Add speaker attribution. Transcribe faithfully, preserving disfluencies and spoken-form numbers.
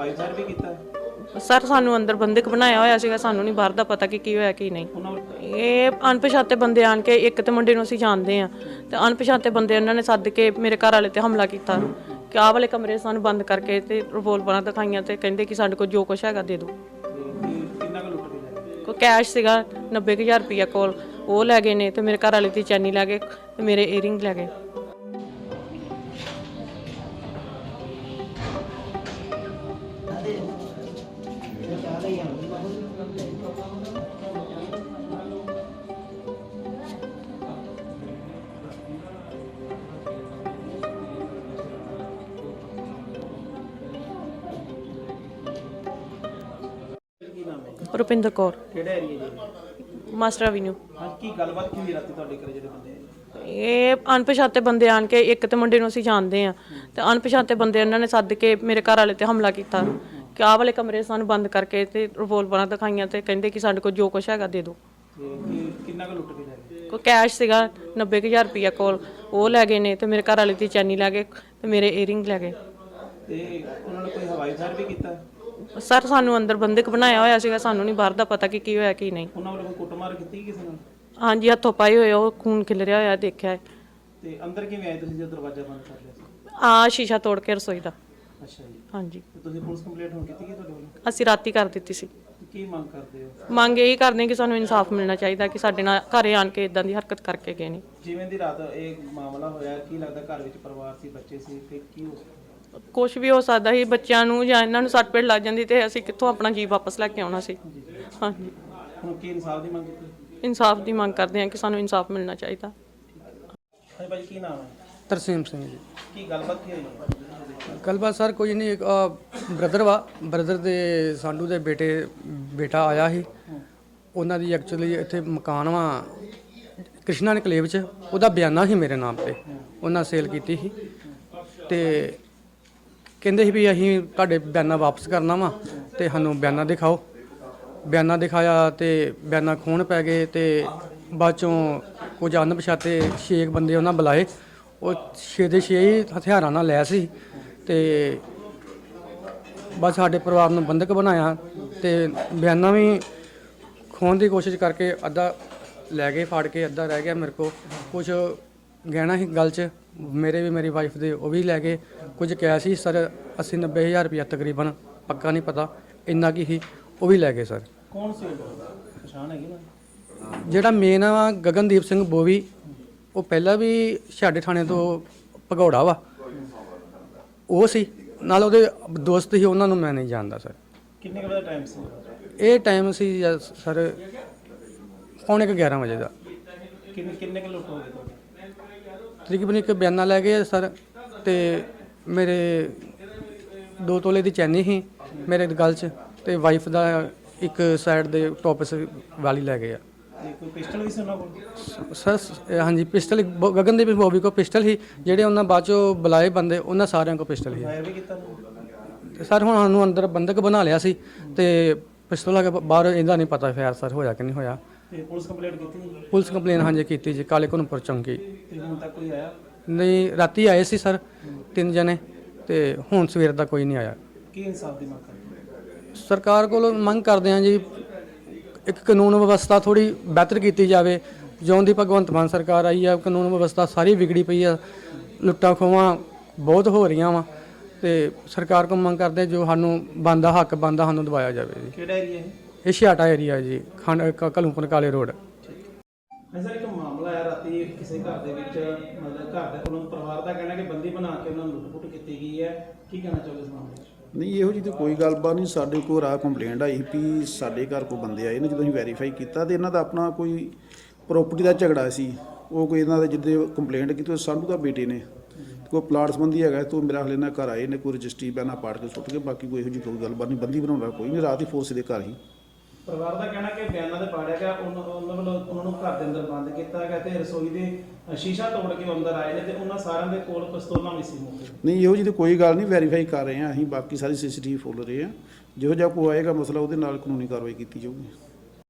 Speaker 1: ਹਵਾਈ ਫਾਇਰ ਵੀ ਕੀਤਾ?
Speaker 2: ਸਰ ਸਾਨੂੰ ਅੰਦਰ ਬੰਦਕ ਬਣਾਇਆ ਹੋਇਆ ਸੀਗਾ, ਸਾਨੂੰ ਨਹੀਂ ਬਾਹਰ ਦਾ ਪਤਾ ਕਿ ਕੀ ਹੋਇਆ ਕੀ ਨਹੀਂ। ਇਹ ਅਣਪਛਾਤੇ ਬੰਦੇ ਆਣ ਕੇ, ਇੱਕ ਤੇ ਮੁੰਡੇ ਨੂੰ ਅਸੀਂ ਜਾਣਦੇ ਆ ਤੇ ਅਣਪਛਾਤੇ ਬੰਦੇ ਉਹਨਾਂ ਨੇ ਸੱਦ ਕੇ ਮੇਰੇ ਘਰ ਵਾਲੇ ਤੇ ਹਮਲਾ ਕੀਤਾ ਕਿ ਆਹ ਵਾਲੇ ਕਮਰੇ ਸਾਨੂੰ ਬੰਦ ਕਰਕੇ ਤੇ ਰਿਵੋਲਵਰਾਂ ਦਿਖਾਈਆਂ ਤੇ ਕਹਿੰਦੇ ਕਿ ਸਾਡੇ ਕੋਲ ਜੋ ਕੁਛ ਹੈਗਾ ਦੇ ਦਿਓ।
Speaker 1: ਕਿੰਨਾ ਕੁ ਲੁੱਟ ਕੇ?
Speaker 2: ਕੋਈ ਕੈਸ਼ ਸੀਗਾ ਨੱਬੇ ਕੁ ਹਜ਼ਾਰ ਰੁਪਈਆ ਕੋਲ, ਉਹ ਲੈ ਗਏ ਨੇ ਤੇ ਮੇਰੇ ਘਰ ਵਾਲੇ ਦੀ ਚੈਨੀ ਲੈ ਗਏ ਤੇ ਮੇਰੇ ਏਅਰਿੰਗ ਲੈ ਗਏ। ਰੁਪਿੰਦਰ ਕੌਰ।
Speaker 1: ਕਿਹੜਾ ਏਰੀਆ ਜੀ?
Speaker 2: Master Avenue.
Speaker 1: ਹਾਂ, ਕੀ ਗੱਲਬਾਤ ਕੀ ਹੋਈ ਰਾਤੀ ਤੁਹਾਡੇ ਘਰੇ ਜਿਹੜੇ ਬੰਦੇ ਆਏ?
Speaker 2: ਇਹ ਅਣਪਛਾਤੇ ਬੰਦੇ ਆਣ ਕੇ, ਇੱਕ ਤੇ ਮੁੰਡੇ ਨੂੰ ਅਸੀਂ ਜਾਣਦੇ ਆ ਤੇ ਅਣਪਛਾਤੇ ਬੰਦੇ ਉਹਨਾਂ ਨੇ ਸੱਦ ਕੇ ਮੇਰੇ ਘਰ ਵਾਲੇ ਤੇ ਹਮਲਾ ਕੀਤਾ ਕਿ ਆਹ ਵਾਲੇ ਕਮਰੇ ਸਾਨੂੰ ਬੰਦ ਕਰਕੇ ਤੇ ਰਿਵੋਲਵਰਾਂ ਦਿਖਾਈਆਂ ਤੇ ਕਹਿੰਦੇ ਕਿ ਸਾਡੇ ਕੋਲ ਜੋ ਕੁਛ ਹੈਗਾ ਦੇ ਦਿਓ।
Speaker 1: ਕਿੰਨਾ ਕੁ ਲੁੱਟ ਕੇ ਲੈ ਗਏ?
Speaker 2: ਕੋਈ ਕੈਸ਼ ਸੀਗਾ ਨੱਬੇ ਕੁ ਹਜ਼ਾਰ ਰੁਪਈਆ ਕੋਲ, ਉਹ ਲੈ ਗਏ ਨੇ ਤੇ ਮੇਰੇ ਘਰ ਵਾਲੇ ਦੀ ਚੈਨੀ ਲੈ ਗਏ ਤੇ ਮੇਰੇ ਏਅਰਿੰਗ ਲੈ ਗਏ।
Speaker 1: ਤੇ ਉਹਨਾਂ ਨੇ ਕੋਈ ਹਵਾਈ ਫਾਇਰ ਵੀ ਕੀਤਾ?
Speaker 2: ਸਰ ਸਾਨੂੰ ਅੰਦਰ ਬੰਦਕ ਬਣਾਇਆ ਹੋਇਆ ਸੀਗਾ, ਸਾਨੂੰ ਨਹੀਂ ਬਾਹਰ ਦਾ ਪਤਾ ਕਿ ਕੀ ਹੋਇਆ ਕੀ ਨਹੀਂ।
Speaker 1: ਉਹਨਾਂ ਵੱਲੋਂ ਕੋਈ ਕੁੱਟਮਾਰ ਕੀਤੀ ਕਿਸੇ ਨਾਲ?
Speaker 2: ਹਾਂਜੀ, ਹੱਥੋਂ ਪਾਈ ਹੋਏ, ਉਹ ਖੂਨ ਖਿਲਰਿਆ ਹੋਇਆ ਦੇਖਿਆ।
Speaker 1: ਤੇ ਅੰਦਰ ਕਿਵੇਂ ਆਏ ਤੁਸੀਂ ਜਦੋਂ ਦਰਵਾਜ਼ਾ ਬੰਦ ਕਰ ਲਿਆ ਸੀ?
Speaker 2: ਆ ਸ਼ੀਸ਼ਾ ਤੋੜ ਕੇ ਰਸੋਈ ਦਾ।
Speaker 1: ਅੱਛਾ ਜੀ।
Speaker 2: ਹਾਂਜੀ।
Speaker 1: ਤੇ ਤੁਸੀਂ ਪੁਲਿਸ ਕੰਪਲੇਂਟ ਹੁਣ ਕੀਤੀ ਕਿ ਤੁਹਾਡੇ ਵੱਲੋਂ?
Speaker 2: ਅਸੀਂ ਰਾਤੀ ਕਰ ਦਿੱਤੀ ਸੀ।
Speaker 1: ਕੀ ਮੰਗ ਕਰਦੇ ਹੋ?
Speaker 2: ਮੰਗ ਇਹੀ ਕਰਦੇ ਕਿ ਸਾਨੂੰ ਇਨਸਾਫ ਮਿਲਣਾ ਚਾਹੀਦਾ ਕਿ ਸਾਡੇ ਨਾਲ ਘਰੇ ਆਣ ਕੇ ਇਦਾਂ ਦੀ ਹਰਕਤ ਕਰਕੇ ਗਏ ਨੇ।
Speaker 1: ਜਿਵੇਂ ਦੀ ਰਾਤ ਇਹ ਮਾਮਲਾ ਹੋਇਆ, ਕੀ ਲੱਗਦਾ ਘਰ ਵਿੱਚ ਪਰਿਵਾਰ ਸੀ, ਬੱਚੇ ਸੀ, ਤੇ ਕੀ ਹੋ ਸਕਦਾ?
Speaker 2: ਕੁਛ ਵੀ ਹੋ ਸਕਦਾ ਸੀ, ਬੱਚਿਆਂ ਨੂੰ ਜਾਂ ਇਹਨਾਂ ਨੂੰ ਸੱਟ ਪੇਟ ਲੱਗ ਜਾਂਦੀ ਤੇ ਅਸੀਂ ਕਿੱਥੋਂ ਆਪਣਾ ਜੀਵ ਵਾਪਸ ਲੈ ਕੇ ਆਉਣਾ ਸੀ। ਹਾਂਜੀ।
Speaker 1: ਹੁਣ ਕੀ ਇਨਸਾਫ ਦੀ ਮੰਗ ਕੀਤੀ?
Speaker 2: ਇਨਸਾਫ ਦੀ ਮੰਗ ਕਰਦੇ ਹਾਂ ਕਿ ਸਾਨੂੰ ਇਨਸਾਫ ਮਿਲਣਾ ਚਾਹੀਦਾ।
Speaker 1: ਹਾਂਜੀ ਭਾਈ, ਕੀ ਨਾਮ ਹੈ?
Speaker 3: ਤਰਸੀਮ ਸਿੰਘ ਜੀ।
Speaker 1: ਕੀ ਗੱਲਬਾਤ ਕੀ ਹੋਈ?
Speaker 3: ਗੱਲਬਾਤ ਸਰ ਕੁਝ ਨਹੀਂ, ਇੱਕ ਬ੍ਰਦਰ ਵਾ, ਬ੍ਰਦਰ ਦੇ ਸਾਡੂ ਦੇ ਬੇਟੇ ਬੇਟਾ ਆਇਆ ਸੀ, ਉਹਨਾਂ ਦੀ ਐਕਚੁਅਲੀ ਇੱਥੇ ਮਕਾਨ ਵਾ ਕ੍ਰਿਸ਼ਨਾ ਇਨਕਲੇਵ 'ਚ, ਉਹਦਾ ਬਿਆਨਾ ਸੀ ਮੇਰੇ ਨਾਮ ਤੇ, ਉਹਨਾਂ ਸੇਲ ਕੀਤੀ ਸੀ ਤੇ ਕਹਿੰਦੇ ਸੀ ਵੀ ਅਸੀਂ ਤੁਹਾਡੇ ਬਿਆਨਾ ਵਾਪਸ ਕਰਨਾ ਵਾ ਤੇ ਸਾਨੂੰ ਬਿਆਨਾ ਦਿਖਾਓ। ਬਿਆਨਾ ਦਿਖਾਇਆ ਤੇ ਬਿਆਨਾ ਖੋਣ ਪੈ ਗਏ ਤੇ ਬਾਅਦ ਚੋਂ ਕੁਝ ਅਣਪਛਾਤੇ ਛੇ ਬੰਦੇ ਉਹਨਾਂ ਬੁਲਾਏ, ਉਹ ਛੇ ਦੇ ਛੇ ਹੀ ਹਥਿਆਰਾਂ ਨਾਲ ਲੈ ਸੀ ਤੇ ਬਸ ਸਾਡੇ ਪਰਿਵਾਰ ਨੂੰ ਬੰਦਕ ਬਣਾਇਆ ਤੇ ਬਿਆਨਾ ਵੀ ਖੋਣ ਦੀ ਕੋਸ਼ਿਸ਼ ਕਰਕੇ ਅੱਧਾ ਲੈ ਗਏ ਫਾੜ ਕੇ, ਅੱਧਾ ਰਹਿ ਗਿਆ ਮੇਰੇ ਕੋਲ। ਕੁਝ ਗਹਿਣਾ ਸੀ ਗਲ 'ਚ ਮੇਰੇ ਵੀ, ਮੇਰੀ ਵਾਈਫ ਦੇ, ਉਹ ਵੀ ਲੈ ਗਏ। ਕੁਝ ਕੈਸ਼ ਸੀ ਸਰ ਅੱਸੀ ਨੱਬੇ ਹਜ਼ਾਰ ਰੁਪਇਆ ਤਕਰੀਬਨ, ਪੱਕਾ ਨਹੀਂ ਪਤਾ, ਇੰਨਾ ਕੀ ਸੀ, ਉਹ ਵੀ ਲੈ ਗਏ ਸਰ।
Speaker 1: ਕੌਣ ਸੀ ਉਹ? ਪਛਾਣ ਹੈਗੀ ਨਾ?
Speaker 3: ਜਿਹੜਾ ਮੇਨ ਆ ਗਗਨਦੀਪ ਸਿੰਘ ਬੋਵੀ, ਉਹ ਪਹਿਲਾਂ ਵੀ ਸਾਡੇ ਥਾਣੇ ਤੋਂ ਭਗੌੜਾ ਵਾ, ਉਹ ਸੀ ਨਾਲ ਉਹਦੇ ਦੋਸਤ ਸੀ, ਉਹਨਾਂ ਨੂੰ ਮੈਂ ਨਹੀਂ ਜਾਣਦਾ ਸਰ।
Speaker 1: ਕਿੰਨੇ ਵਜੇ ਦਾ ਟਾਈਮ ਸੀ
Speaker 3: ਇਹ? ਟਾਈਮ ਸੀ ਸਰ ਪੌਣੇ ਕੁ ਗਿਆਰਾਂ ਵਜੇ ਦਾ।
Speaker 1: ਕਿੰਨੇ ਕਿੰਨੇ ਕੁ ਲੁੱਟ ਹੋ ਗਏ ਤੁਹਾਡੇ?
Speaker 3: ਤਕਰੀਬਨ ਇੱਕ ਬਿਆਨਾ ਲੈ ਗਏ ਸਰ ਤੇ ਮੇਰੇ ਦੋ ਤੋਲੇ ਦੀ ਚੈਨੀ ਸੀ ਮੇਰੇ ਗਲ 'ਚ ਤੇ ਵਾਈਫ ਦਾ ਇੱਕ ਸਾਈਡ ਦੇ ਟੋਪਸ ਵਾਲੀ ਲੈ ਗਏ ਆ।
Speaker 1: ਤੇ ਕੋਈ ਪਿਸਟਲ ਵੀ ਸੀ ਉਹਨਾਂ ਕੋਲ?
Speaker 3: ਸਰ ਹਾਂਜੀ, ਪਿਸਟਲ ਗਗਨਦੀਪ ਬੋਬੀ ਕੋਲ ਪਿਸਟਲ ਸੀ, ਜਿਹੜੇ ਉਹਨਾਂ ਬਾਅਦ ਚੋਂ ਬੁਲਾਏ ਬੰਦੇ ਉਹਨਾਂ ਸਾਰਿਆਂ ਕੋਲ ਪਿਸਟਲ ਸੀ।
Speaker 1: ਫਾਇਰ ਵੀ ਕੀਤਾ ਨਾ?
Speaker 3: ਸਰ ਹੁਣ ਸਾਨੂੰ ਅੰਦਰ ਬੰਦਕ ਬਣਾ ਲਿਆ ਸੀ ਤੇ ਪਿਸਤੌਲ ਆ ਕੇ ਬਾਹਰ ਇਹਦਾ ਨਹੀਂ ਪਤਾ ਫਾਇਰ ਸਰ ਹੋਇਆ ਕਿ ਨਹੀਂ ਹੋਇਆ।
Speaker 1: ਤੇ ਪੁਲਿਸ ਕੰਪਲੇਂਟ ਕੀਤੀ?
Speaker 3: ਪੁਲਿਸ ਕੰਪਲੇਨ ਹਾਂਜੀ ਕੀਤੀ ਜੀ, ਕਾਲੇ ਘਨਪੁਰ ਚੌਂਕੀ।
Speaker 1: ਤੇ ਹੁਣ ਤੱਕ ਕੋਈ ਆਇਆ
Speaker 3: ਨਹੀਂ, ਰਾਤੀ ਆਏ ਸੀ ਸਰ ਤਿੰਨ ਜਣੇ ਤੇ ਹੁਣ ਸਵੇਰ ਦਾ ਕੋਈ ਨਹੀਂ ਆਇਆ।
Speaker 1: ਕੀ ਇਨਸਾਫ ਦੀ ਮੰਗ ਕਰਦੇ?
Speaker 3: ਸਰਕਾਰ ਕੋਲੋਂ ਮੰਗ ਕਰਦੇ ਹਾਂ ਜੀ, ਇੱਕ ਕਾਨੂੰਨ ਵਿਵਸਥਾ ਥੋੜੀ ਬਿਹਤਰ ਕੀਤੀ ਜਾਵੇ। ਜਿਉਂ ਦੀ ਭਗਵੰਤ ਮਾਨ ਸਰਕਾਰ ਆਈ ਆ, ਕਾਨੂੰਨ ਵਿਵਸਥਾ ਸਾਰੀ ਵਿਗੜੀ ਪਈ ਆ, ਲੁੱਟਾਂ ਖੋਹਾਂ ਬਹੁਤ ਹੋ ਰਹੀਆਂ ਵਾ ਤੇ ਸਰਕਾਰ ਕੋਲ ਮੰਗ ਕਰਦੇ ਜੋ ਸਾਨੂੰ ਬਣਦਾ ਹੱਕ ਬਣਦਾ ਸਾਨੂੰ ਦਵਾਇਆ ਜਾਵੇ ਜੀ।
Speaker 1: ਕਿਹੜਾ ਏਰੀਆ ਹੈ
Speaker 3: ਇਹ ਛਿਆਟਾ ਏਰੀਆ ਜੀ, ਖੰਡ ਘਲੂਪੁਰ ਕਾਲੇ ਰੋਡ।
Speaker 1: ਸਰ, ਇੱਕ ਮਾਮਲਾ ਆਇਆ ਰਾਤੀ ਕਿਸੇ ਘਰ ਦੇ ਵਿੱਚ, ਮਤਲਬ ਘਰ ਦੇ ਕੋਲੋਂ ਪਰਿਵਾਰ ਦਾ ਕਹਿਣਾ ਕਿ ਬੰਦੀ ਬਣਾ ਕੇ ਉਹਨਾਂ ਨੂੰ ਲੁੱਟ-ਪੁੱਟ ਕੀਤੀ ਗਈ ਹੈ, ਕੀ ਕਹਿਣਾ ਚਾਹੋਗੇ ਇਸ ਮਾਮਲੇ 'ਚ?
Speaker 4: ਨਹੀਂ, ਇਹੋ ਜਿਹੀ ਤਾਂ ਕੋਈ ਗੱਲਬਾਤ ਨਹੀਂ। ਸਾਡੇ ਕੋਲ ਰਾਹ ਕੰਪਲੇਂਟ ਆਈ ਵੀ ਸਾਡੇ ਘਰ ਕੋਈ ਬੰਦੇ ਆਏ ਨੇ, ਜਦੋਂ ਅਸੀਂ ਵੈਰੀਫਾਈ ਕੀਤਾ ਤੇ ਇਹਨਾਂ ਦਾ ਆਪਣਾ ਕੋਈ ਪ੍ਰੋਪਰਟੀ ਦਾ ਝਗੜਾ ਸੀ। ਉਹ ਕੋਈ ਇਹਨਾਂ ਦੇ ਜਿੱਦੇ ਕੰਪਲੇਂਟ ਕੀਤੀ, ਉਹ ਸਾਡੂ ਦਾ ਬੇਟੇ ਨੇ ਕੋਈ ਪਲਾਟ ਸੰਬੰਧੀ ਹੈਗਾ, ਤੋਂ ਮੇਰਾ ਹਲੇ ਨਾਲ ਘਰ ਆਏ ਨੇ, ਕੋਈ ਰਜਿਸਟਰੀ ਬਿਆਨਾ ਪਾੜ ਕੇ ਸੁੱਟ ਕੇ, ਬਾਕੀ ਕੋਈ ਇਹੋ ਜਿਹੀ ਕੋਈ ਗੱਲਬਾਤ ਨਹੀਂ। ਬੰਦੀ ਬਣਾਉਣਾ ਕੋਈ ਨਹੀਂ, ਰਾਤ ਹੀ ਫੋਰਸ ਦੇ ਘਰ ਹੀ।
Speaker 1: ਪਰਿਵਾਰ ਦਾ ਕਹਿਣਾ ਕਿ ਬਿਆਨਾਂ ਦੇ ਪਾੜਿਆ ਗਿਆ, ਉਹਨਾਂ ਉਹਨਾਂ ਵੱਲੋਂ ਉਹਨਾਂ ਨੂੰ ਘਰ ਦੇ ਅੰਦਰ ਬੰਦ ਕੀਤਾ ਗਿਆ ਤੇ ਰਸੋਈ ਦੇ ਸ਼ੀਸ਼ਾ ਤੋੜ ਕੇ ਅੰਦਰ ਆਏ ਨੇ ਤੇ ਉਹਨਾਂ ਸਾਰਿਆਂ ਦੇ ਕੋਲ ਪਿਸਤੌਲਾਂ ਵੀ ਸੀ ਮੌਕੇ।
Speaker 4: ਨਹੀਂ, ਇਹੋ ਜਿਹੀ ਤਾਂ ਕੋਈ ਗੱਲ ਨਹੀਂ, ਵੈਰੀਫਾਈ ਕਰ ਰਹੇ ਹਾਂ ਅਸੀਂ, ਬਾਕੀ ਸਾਰੀ ਸੀ ਸੀ ਟੀ ਵੀ ਫੁੱਲ ਰਹੇ ਹਾਂ। ਜਿਹੋ ਜਿਹਾ ਕੋਈ ਆਏਗਾ ਮਸਲਾ ਉਹਦੇ ਨਾਲ ਕਾਨੂੰਨੀ ਕਾਰਵਾਈ ਕੀਤੀ ਜਾਊਗੀ।